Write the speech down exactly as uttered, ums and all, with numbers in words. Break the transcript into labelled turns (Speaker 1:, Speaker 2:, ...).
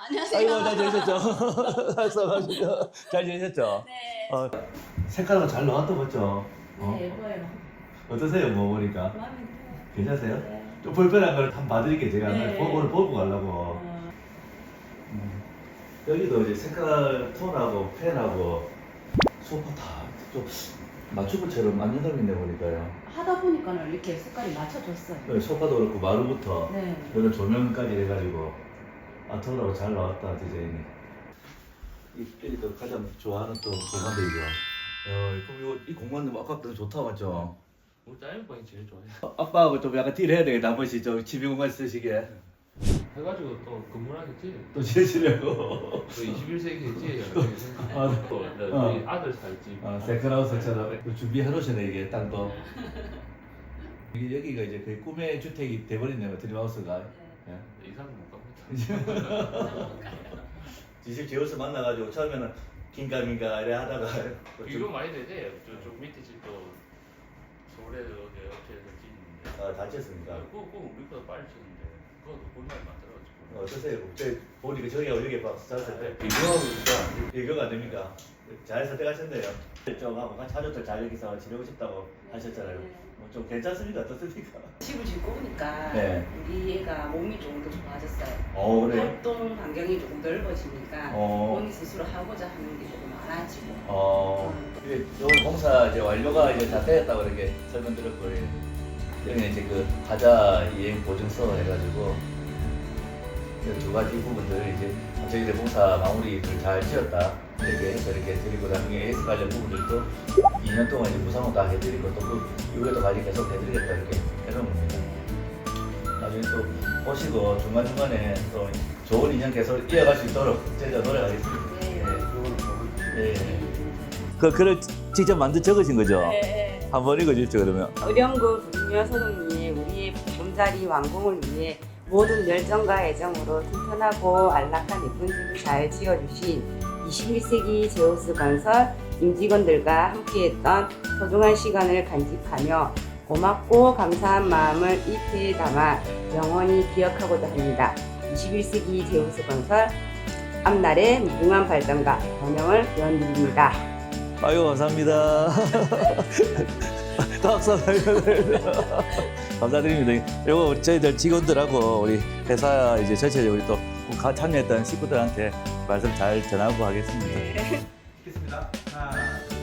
Speaker 1: 안녕하세요.
Speaker 2: 아이고 잘 지내셨죠? 말씀하시죠. 잘 지내셨죠?
Speaker 1: 네.
Speaker 2: 어, 색깔은 잘 나왔다 맞죠? 어?
Speaker 1: 네, 예뻐요.
Speaker 2: 어떠세요? 뭐 보니까
Speaker 1: 마음에 들어요.
Speaker 2: 괜찮으세요?
Speaker 1: 네.
Speaker 2: 좀 불편한 걸 한번 봐드릴게요. 제가
Speaker 1: 네.
Speaker 2: 오늘 오늘 보고 가려고.
Speaker 1: 어,
Speaker 2: 음. 여기도 이제 색깔 톤하고 펜하고 소파 다좀 맞춤처럼 만든 놈인데 보니까요.
Speaker 1: 하다 보니까는 이렇게 색깔이 맞춰졌어요.
Speaker 2: 네, 소파도 그렇고 마루부터
Speaker 1: 네.
Speaker 2: 이런 조명까지 해가지고 아트홀하고 잘 나왔다 디자인이. 이 여기도 가장 좋아하는 또 공간도 이거. 어, 그럼 이거 이 공간도 뭐 아까부터 좋다 맞죠?
Speaker 3: 우리 짧은 방이 제일 좋아해.
Speaker 2: 어, 아빠하고 좀 약간 딜 해야 되겠다 한 번씩 좀 집에 공간 쓰시게
Speaker 3: 해가지고 또 건물하겠지.
Speaker 2: 또 지으시려고.
Speaker 3: 또 이십일 세기겠지.
Speaker 2: 아,
Speaker 3: 또
Speaker 2: 어.
Speaker 3: 우리 아들 살집.
Speaker 2: 아, 세컨하우스처럼 준비해 놓으시네 이게 땅도. 이게 여기가 이제 거의 꿈의 주택이 돼버렸네요 드림하우스가. 예.
Speaker 3: 이상은 못 갑니다.
Speaker 2: 지식 제우스 만나가지고 처음에는 긴가민가 이래 하다가
Speaker 3: 비교 많이 되지. 저쪽 밑에 집도 서울에 어디 업체에서 짓는데.
Speaker 2: 아, 다쳤습니까?
Speaker 3: 그거 그거 우리보다 빨리 짓는데 그것도 볼만 만들어가지고.
Speaker 2: 어떠세요? 제 보니까 저기하고 여기 막 잤을 때
Speaker 3: 네.
Speaker 2: 비교하고 있으니까 비교가 안 됩니까? 잘 선택하셨네요. 좀 하고 차주들 잘 여기서 지내고 싶다고 하셨잖아요. 뭐 좀 괜찮습니까? 어떻습니까?
Speaker 1: 집을 짓고 오니까
Speaker 2: 네.
Speaker 1: 우리 애가 몸이 조금 더 좋아졌어요.
Speaker 2: 어 그래요?
Speaker 1: 활동 반경이 조금 넓어지니까
Speaker 2: 어.
Speaker 1: 본인 스스로 하고자 하는 게 조금 많아지고.
Speaker 2: 어, 이게 오늘 공사 이제 완료가 이제 다 되었다고 이렇게 설명드렸고, 여기 이제 그 하자 이행 보증서 해가지고 이두 가지 부분들 이제 저희들 공사 마무리를 잘 지었다 이렇게 해서 이렇게 드리고 나중에 에이에스 관련 부분들도 이 년 동안 이제 무상으로 다 해드리고 또 그 이후에도 관리 계속 해드리겠다 이렇게 해놓은 겁니다. 나중에 또 오시고 중간중간에 또 좋은 인연 계속 이어갈 수 있도록 저희가 노력하겠습니다.
Speaker 1: 네.
Speaker 2: 예. 그 글을 직접 만들 적으신 거죠?
Speaker 1: 네.
Speaker 2: 한번 읽어주십시오 그러면.
Speaker 4: 의령구 부르며 소동리에 우리의 보금자리 완공을 위해 모든 열정과 애정으로 튼튼하고 안락한 예쁜 집을 잘 지어주신 이십일 세기 제우스 건설 임직원들과 함께했던 소중한 시간을 간직하며 고맙고 감사한 마음을 이 패에 담아 영원히 기억하고자 합니다. 이십일 세기 제우스 건설 앞날의 무궁한 발전과 번영을 기원드립니다.
Speaker 2: 아유 감사합니다. 또 박수 감사드립니다. 이거 저희들 직원들하고 우리 회사 이제 전체적으로 또 참여했던 식구들한테 말씀 잘 전하고 하겠습니다.
Speaker 5: 있겠습니다. 하나,